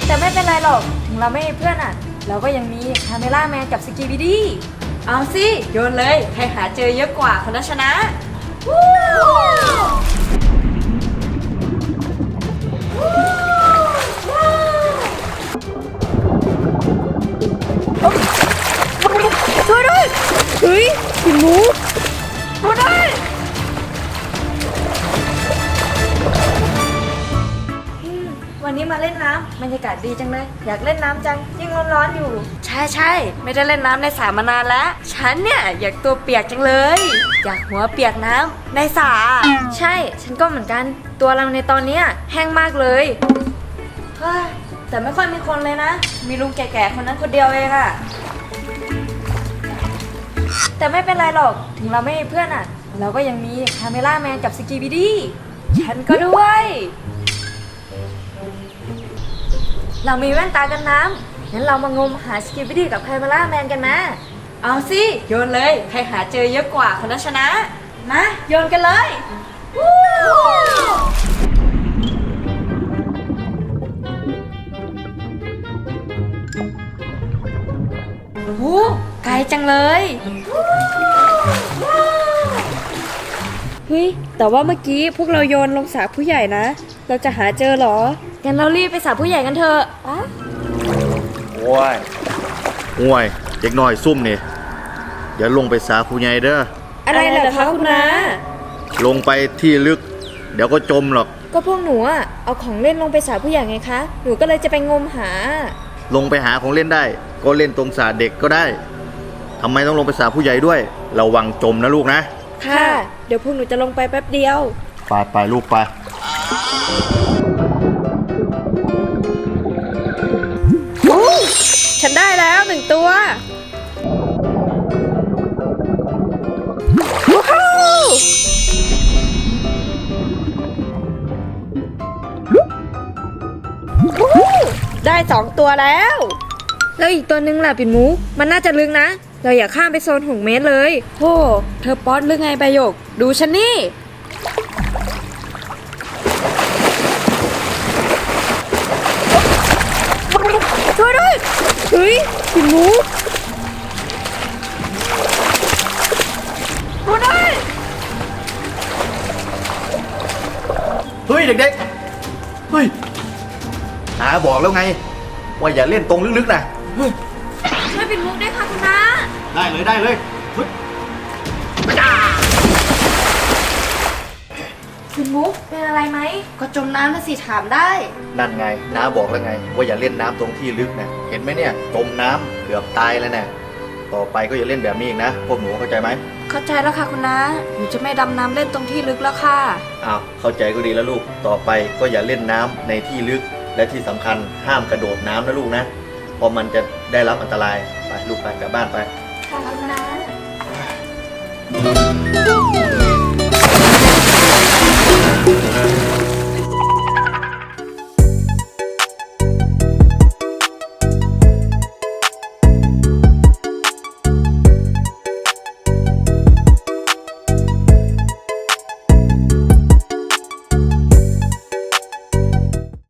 แต่ไม่เป็นไรหรอกถึงเราไม่มีเพื่อนอ่ะเราก็ยังมีคาเมล่าแมนกับสกีบิดี้เอาสิโยนเลยใครหาเจอเยอะกว่าคนนั้นชนะช่วยด้วยเฮ้ยหินมูช่วยด้วยวันนี้มาเล่นน้ำบรรยากาศดีจังเลยอยากเล่นน้ำจังยิ่งร้อนๆอยู่ใช่ไม่ได้เล่นน้ำในสระมานานแล้วฉันเนี่ยอยากตัวเปียกจังเลยอยากหัวเปียกน้ำในสระใช่ฉันก็เหมือนกันตัวเราในตอนนี้แห้งมากเลยเฮ้ยแต่ไม่ค่อยมีคนเลยนะมีลุงแก่ๆคนนั้นคนเดียวเองอะแต่ไม่เป็นไรหรอกถึงเราไม่มีเพื่อนอ่ะเราก็ยังมีคาเมล่าแมนกับสกีบิดี้ฉันก็ด้วยเรามีแว่นตากันน้ำงั้นเรามางมหาสกีบิดี้กับคาเมล่าแมนกันนะเอาสิโยนเลยใครหาเจอเยอะกว่าคนนั้นชนะมาโยนกันเลยโอ้โหไกลจังเลยเฮ้ยแต่ว่าเมื่อกี้พวกเราโยนลงสระผู้ใหญ่นะเราจะหาเจอหรองั้นเรารีบไปสระผู้ใหญ่กันเถอะโอ้ยเด็กน้อยซุ่มนี่อย่าลงไปสาผู้ใหญ่เด้ออะไรเหรอคะคุณน้าลงไปที่ลึกเดี๋ยวก็จมหรอกก็พวกหนูอะเอาของเล่นลงไปสระผู้ใหญ่ไงคะหนูก็เลยจะไปงมหาลงไปหาของเล่นได้ก็เล่นตรงสระเด็กก็ได้ทำไมต้องลงไปสระผู้ใหญ่ด้วยระวังจมนะลูกนะค่ะเดี๋ยวพวกหนูจะลงไปแป๊บเดียวไปลูกไปฉันได้แล้ว1ตัวได้2ตัวแล้วแล้วอีกตัวนึงล่ะปิ่นมุกมันน่าจะลึกนะเราอย่าข้ามไปโซน6 เมตรเลยโธ่เธอป๊อตหรือไงใบหยกดูฉันนี่ช่วยด้วยเฮ้ยปิ่นมุกช่วยด้วยเฮ้ยเด็กๆเฮ้ยน้าบอกแล้วไงว่าอย่าเล่นตรงลึกๆนะช่วยปิ่นมุกได้ค่ะคุณน้าได้เลยปิ่นมุกเป็นอะไรไหมก็จมน้ำนะสิถามได้นั่นไงน้าบอกแล้วไงว่าอย่าเล่นน้ำตรงที่ลึกนะเห็นไหมเนี่ยจมน้ำเกือบตายแล้วนะต่อไปก็อย่าเล่นแบบนี้อีกนะพวกหนูเข้าใจไหมเข้าใจแล้วค่ะคุณน้าหนูจะไม่ดำน้ำเล่นตรงที่ลึกแล้วค่ะอ้าวเข้าใจก็ดีแล้วลูกต่อไปก็อย่าเล่นน้ำในที่ลึกและที่สำคัญห้ามกระโดดน้ำนะลูกนะเพราะมันจะได้รับอันตรายไปลูกไปกลับบ้านไปค่ะคุณน้า